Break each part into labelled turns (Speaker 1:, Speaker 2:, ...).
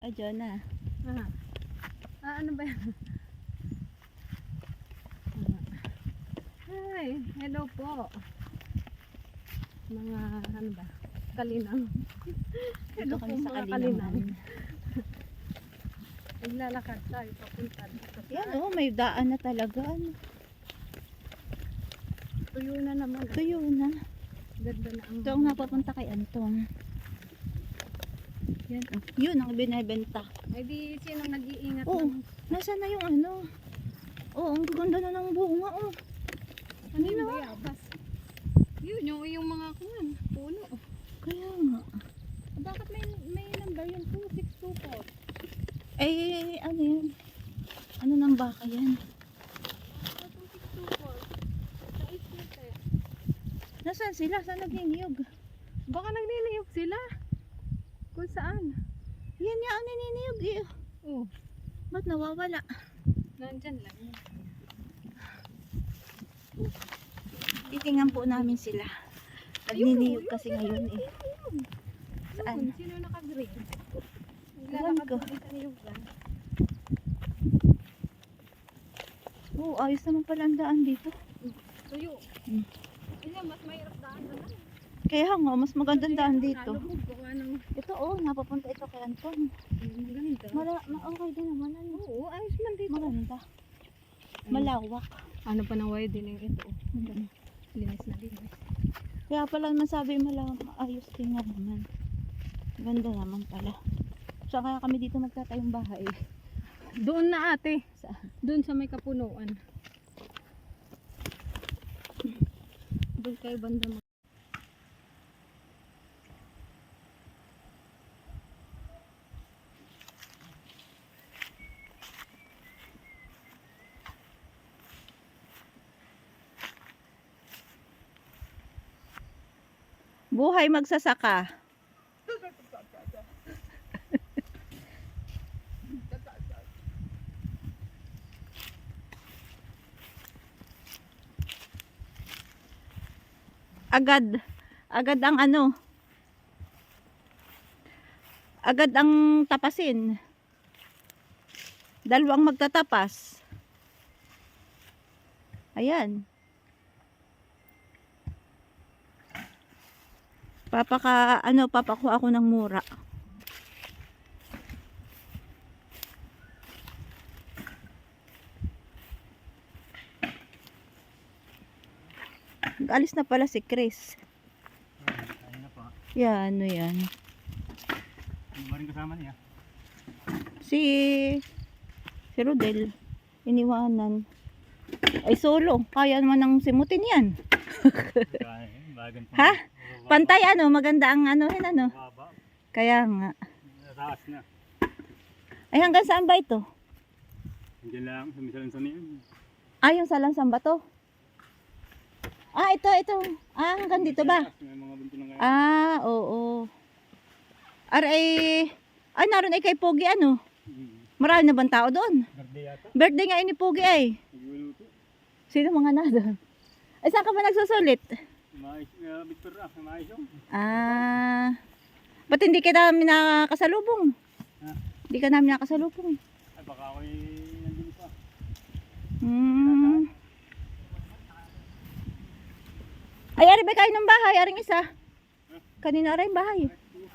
Speaker 1: Diyan na.
Speaker 2: Ano ba yan? Hi, hello po. Mga ano ba? Kalinang.
Speaker 1: Dito kami sa
Speaker 2: mga
Speaker 1: Kalinang.
Speaker 2: Naglalakad tayo papunta dito.
Speaker 1: Yan may daan na talaga.
Speaker 2: Tuyo na naman.
Speaker 1: Tuyo na.
Speaker 2: Ganda na ang...
Speaker 1: Ito ang napapunta kay Antong. Yan. Yun ang binibenta.
Speaker 2: Ay di sinong nag-iingat
Speaker 1: Oo.
Speaker 2: ng...
Speaker 1: Nasaan na yung ano? Ang gaganda na ng bunga.
Speaker 2: Ano yung bayabas? Yun, yung mga kuwan. Puno.
Speaker 1: Kaya nga.
Speaker 2: Bakit may number yun? 2624.
Speaker 1: Ano yun? Ano ng baka yan?
Speaker 2: 2624. Sa islit eh.
Speaker 1: Nasaan sila? Saan nagniniyog?
Speaker 2: Baka nagniliyog sila. Kung saan?
Speaker 1: Yan nga ang naniniyog eh.
Speaker 2: Oh,
Speaker 1: Ba't nawawala?
Speaker 2: nandyan lang.
Speaker 1: Titingnan po namin sila. Nagniniyog kasi ngayon eh. Saan?
Speaker 2: Sino naka-green?
Speaker 1: Ewan ko.
Speaker 2: Naglalakad sa niyugan.
Speaker 1: Ayos naman pala ang daan dito.
Speaker 2: Tuyo.
Speaker 1: Hmm.
Speaker 2: Ayan, mas mahirap daan na lang.
Speaker 1: Kaya nga, mas magandang daan dito.
Speaker 2: Nalubog ko nga ng...
Speaker 1: Ito napapunta ito kay Anton.
Speaker 2: Ganda.
Speaker 1: Okay din naman.
Speaker 2: Oo, ayos man dito.
Speaker 1: Maganda. Malawak.
Speaker 2: Ano pa ng widening ito? Linis na linis.
Speaker 1: Kaya pala naman sabi ayos din nga naman. Ganda naman pala. So kaya kami dito magtatayong bahay.
Speaker 2: Doon na ate.
Speaker 1: Saan?
Speaker 2: Doon sa may kapunuan. Doon kayo banda mo.
Speaker 1: Buhay magsasaka. Agad ang agad ang tapasin. Dalawang magtatapas. Ayan. Papakuha ako ng mura. Alis na pala si Chris.
Speaker 3: Ayun na po.
Speaker 1: Yan, yan.
Speaker 3: Ano ba rin kasama niya?
Speaker 1: Si Rodel. Iniwanan. Ay solo. Kaya naman ng simutin yan.
Speaker 3: Bagan pa.
Speaker 1: Ha? Pantay maganda ang
Speaker 3: Baba.
Speaker 1: Kaya nga.
Speaker 3: Nataas na.
Speaker 1: Ay hanggang saan ba ito?
Speaker 3: Hindi lang, sumisalansan niya.
Speaker 1: Yung salansang bato. Ito. Hanggang dito ba?
Speaker 3: May mga bunto na kaya.
Speaker 1: Oo. Naroon ay kay Pogi Marami na bang tao doon?
Speaker 3: Garde yata.
Speaker 1: Birthday nga ni Pogi ay.
Speaker 3: Nagluluto.
Speaker 1: Sino mga na doon? Ay saan ka ba nagsusulit?
Speaker 3: Mais, Victor mais yung.
Speaker 1: Ba't hindi ka namin nakasalubong?
Speaker 3: Ha?
Speaker 1: Hindi ka namin nakasalubong.
Speaker 3: Ay baka ako'y nandun pa.
Speaker 1: Ay, ari ba kayo ng bahay? Aring isa. Kanina rin bahay.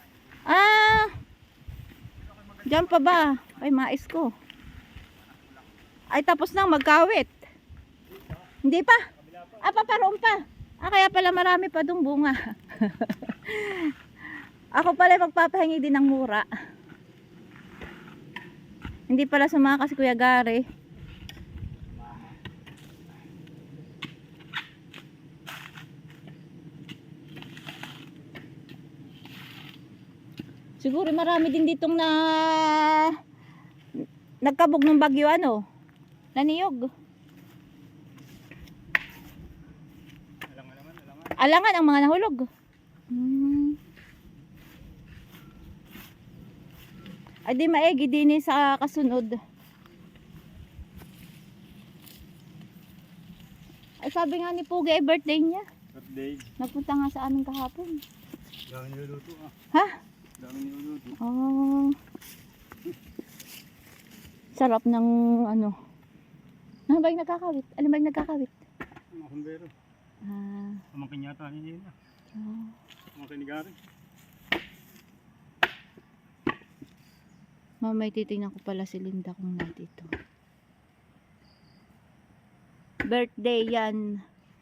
Speaker 1: Diyan pa ba? Ay, mais ko. Ay, tapos nang magkawit. Hindi pa? Paparoon pa. Kaya pala marami pa dong bunga. Ako pala magpapahingi din ng mura. Hindi pala sumama si Kuya Gary. Siguro marami din ditong nagkabog ng bagyo naniyog. Alangan ang mga nahulog. Ay di maigi din sa kasunod. Ay sabi nga ni Pugi ay birthday niya.
Speaker 3: Birthday.
Speaker 1: Nagpunta nga sa amin kahapon.
Speaker 3: Dami niluluto
Speaker 1: Ha?
Speaker 3: Dami niluluto.
Speaker 1: Oh. Sarap ng ano. Ano ba yung nagkakawit? Ano ba yung nagkakawit?
Speaker 3: Mga kumbero.
Speaker 1: Ah.
Speaker 3: Pamangkin yata niya yun.
Speaker 1: Oh.
Speaker 3: Pamangkin ni Gary.
Speaker 1: Mamay titingnan ko pala si Linda kung nandito. Birthday yan.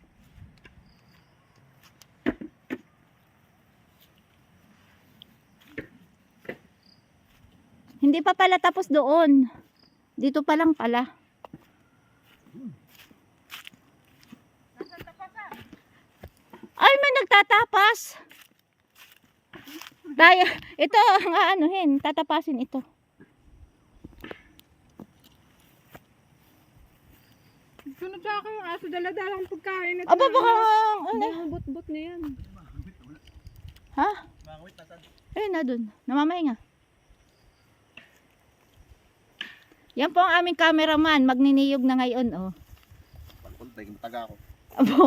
Speaker 1: Hindi pa pala tapos doon. Dito pa lang pala. Ay, may nagtatapas. Tayo, ito ang aanuhin, tatapasin ito.
Speaker 2: Sunod sa akin yung aso, dala-dalang pagkain.
Speaker 1: Aba, baka, ano?
Speaker 2: Ang bot-bot na yan.
Speaker 1: Ha?
Speaker 3: Makawit na saan?
Speaker 1: Ayun na dun, namamay nga. Yan po ang aming cameraman, magniniyog na ngayon, oh.
Speaker 3: Pagkuntay, mataga ako.
Speaker 1: Abo.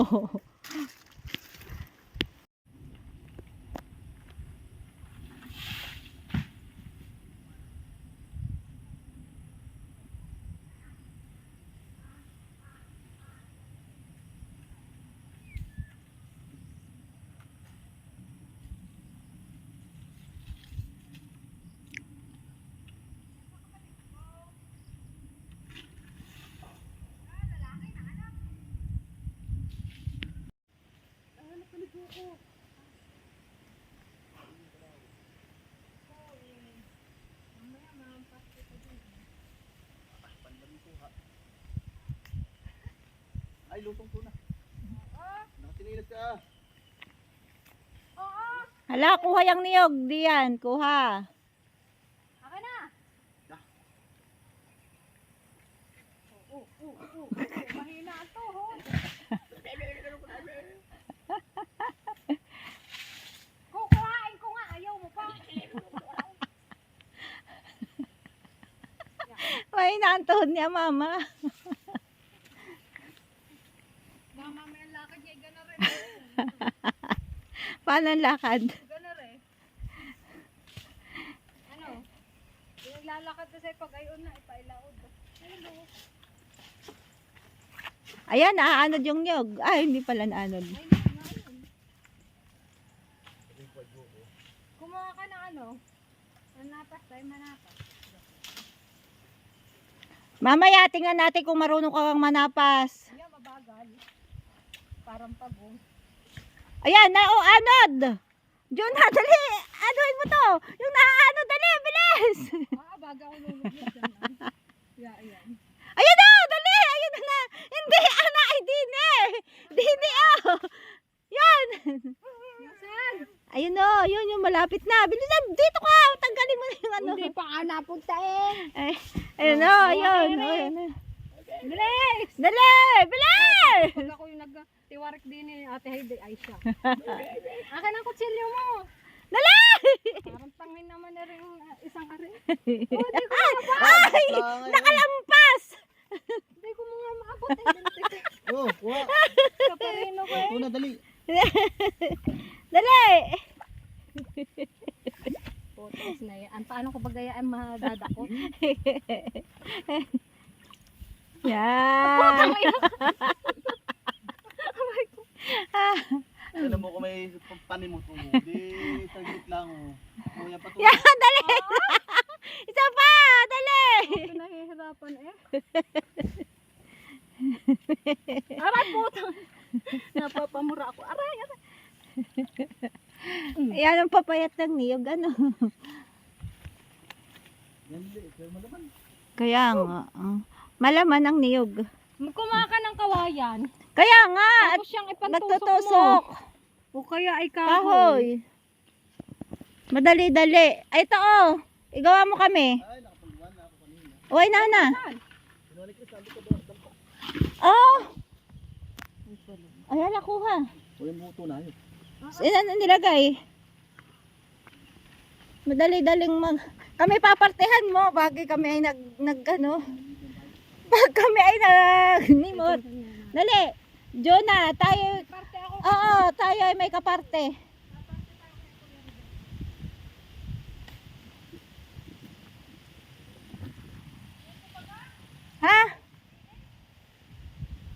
Speaker 3: Ay, lutong tuna. Nakatinilas ka.
Speaker 1: Hala, kuha yung niyog, diyan, kuha.
Speaker 2: Akin na! Mahina ito, ho. Kukuhain ko nga, ayaw mo pa.
Speaker 1: May naantoon niya, mama.
Speaker 2: Mama, may ang lakad niya, gana rin.
Speaker 1: Paano ang lakad?
Speaker 2: Gana rin. Ano? Yung lalakad na sa'yo pag ayon na, ipailaod. Ayun, ho.
Speaker 1: Ayan, naaanod yung niyog. Ay, hindi pala naanod.
Speaker 2: Ayun, ayun. Kumuha ka ng ano? Manapas tayo, manapas.
Speaker 1: Mamaya, tingnan natin kung marunong ka kang manapas.
Speaker 2: Yan, mabagal. Parang pagong.
Speaker 1: Ayan, anod! Diyon na, dali! Anuhin mo to! Yung naaanod, dali! Bilis!
Speaker 2: Baga ako lulubog dyan. Yan.
Speaker 1: Ayun na! Dali! Ayun na! Hindi! Ana! Ay, dini! Dini, oh! Yan!
Speaker 2: Saan?
Speaker 1: Ayun o! Yun yung malapit na! Bilisan! Dito ka! Tanggalin mo na yung ano!
Speaker 2: Hindi pa ka napuntain.
Speaker 1: Ay, ayun o! Ayun! Ayun na!
Speaker 2: Bilis!
Speaker 1: Dali! Bilis!
Speaker 2: Pag ako yung nagtiwarik din ni Ate Heidi, ay siya. Akin ang kutsilyo mo.
Speaker 1: Dali!
Speaker 2: Parang tangin naman na rin isang ari.
Speaker 1: Ay! Nakalampas!
Speaker 2: Hindi ko mga maabot.
Speaker 3: Oh, kuha.
Speaker 2: Kaparino ko eh.
Speaker 3: Tuna, dali.
Speaker 1: Dali!
Speaker 2: Photos na yan. Paano ko bagayaan madadakot?
Speaker 1: Yan!
Speaker 3: Alam mo kung may panimot mo. Di, saglit lang. Oh. Kuya pa to.
Speaker 1: Yan! Dali! Isa pa! Dali!
Speaker 2: Ako nahihirapan eh. Aray putang. Napapamura ako. Aray.
Speaker 1: Yan ang papayat ng niyog. Ano?
Speaker 3: Yan, dali. Pero malaman.
Speaker 1: Kaya nga. Malaman ang niyog.
Speaker 2: Kumaha ka ng kawayan.
Speaker 1: Kaya nga! At
Speaker 2: Tapos siyang ipantusok mo.
Speaker 1: nagtutusok.
Speaker 2: O kaya ay kahoy.
Speaker 1: Kahoy. Madali-dali. Ay, ito oh. Igawa mo kami.
Speaker 3: Ay, nakapagwan na ako kanina.
Speaker 1: Uy, nana.
Speaker 3: Kinuha ko sabi ko doon.
Speaker 1: Oh! Ayan, nakuha.
Speaker 3: Kuya mo tuna yun.
Speaker 1: Saan na nilagay? Madali-daling kami papartehan mo. Bagay kami ay nag Pag kami ay nimot. Dali. Jonah, tayo.
Speaker 2: Parte ako.
Speaker 1: Oo, tayo ay may kaparte.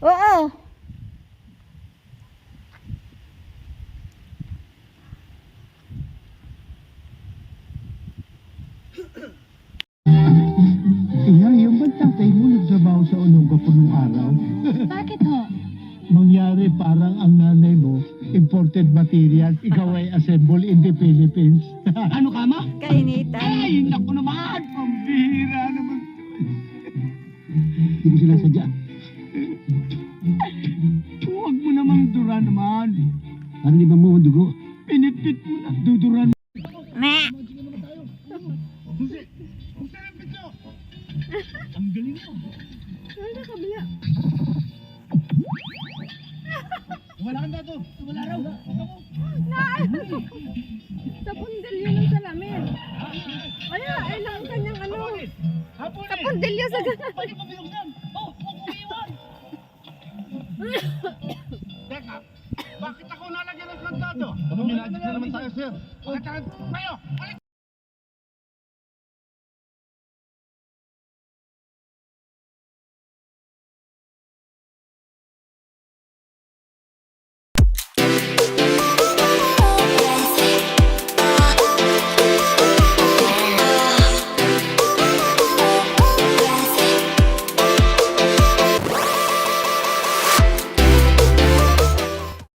Speaker 1: Oo.
Speaker 4: Iya, yung bang tatay mo nagtrabaho sa Olonga po nung araw?
Speaker 2: Bakit ho?
Speaker 4: Mangyari parang ang nanay mo, imported materials, ikaw ay assemble in the Philippines. Ano ka ma?
Speaker 1: Kainitan.
Speaker 4: Ay, naku naman! Pambihira naman. Hindi mo sila sadya. Huwag mo namang dura naman. Parang di ba mo ang dugo? Pinipit mo na, duduran.
Speaker 1: Meh.
Speaker 4: Ang galing mo.
Speaker 2: Ano kabila?
Speaker 4: Wala kang dato. Wala raw.
Speaker 2: Sa pundilyo ng salamin. Kaya, ay lang ang kanyang ano. Sa pundilyo sa ganun.
Speaker 4: Pwede mo binuksan. Oh, huwag mo iwan. Teka, bakit ako nalagyan ng kandado? Minadyo na naman tayo, sir. Bakit tayo? Kayo!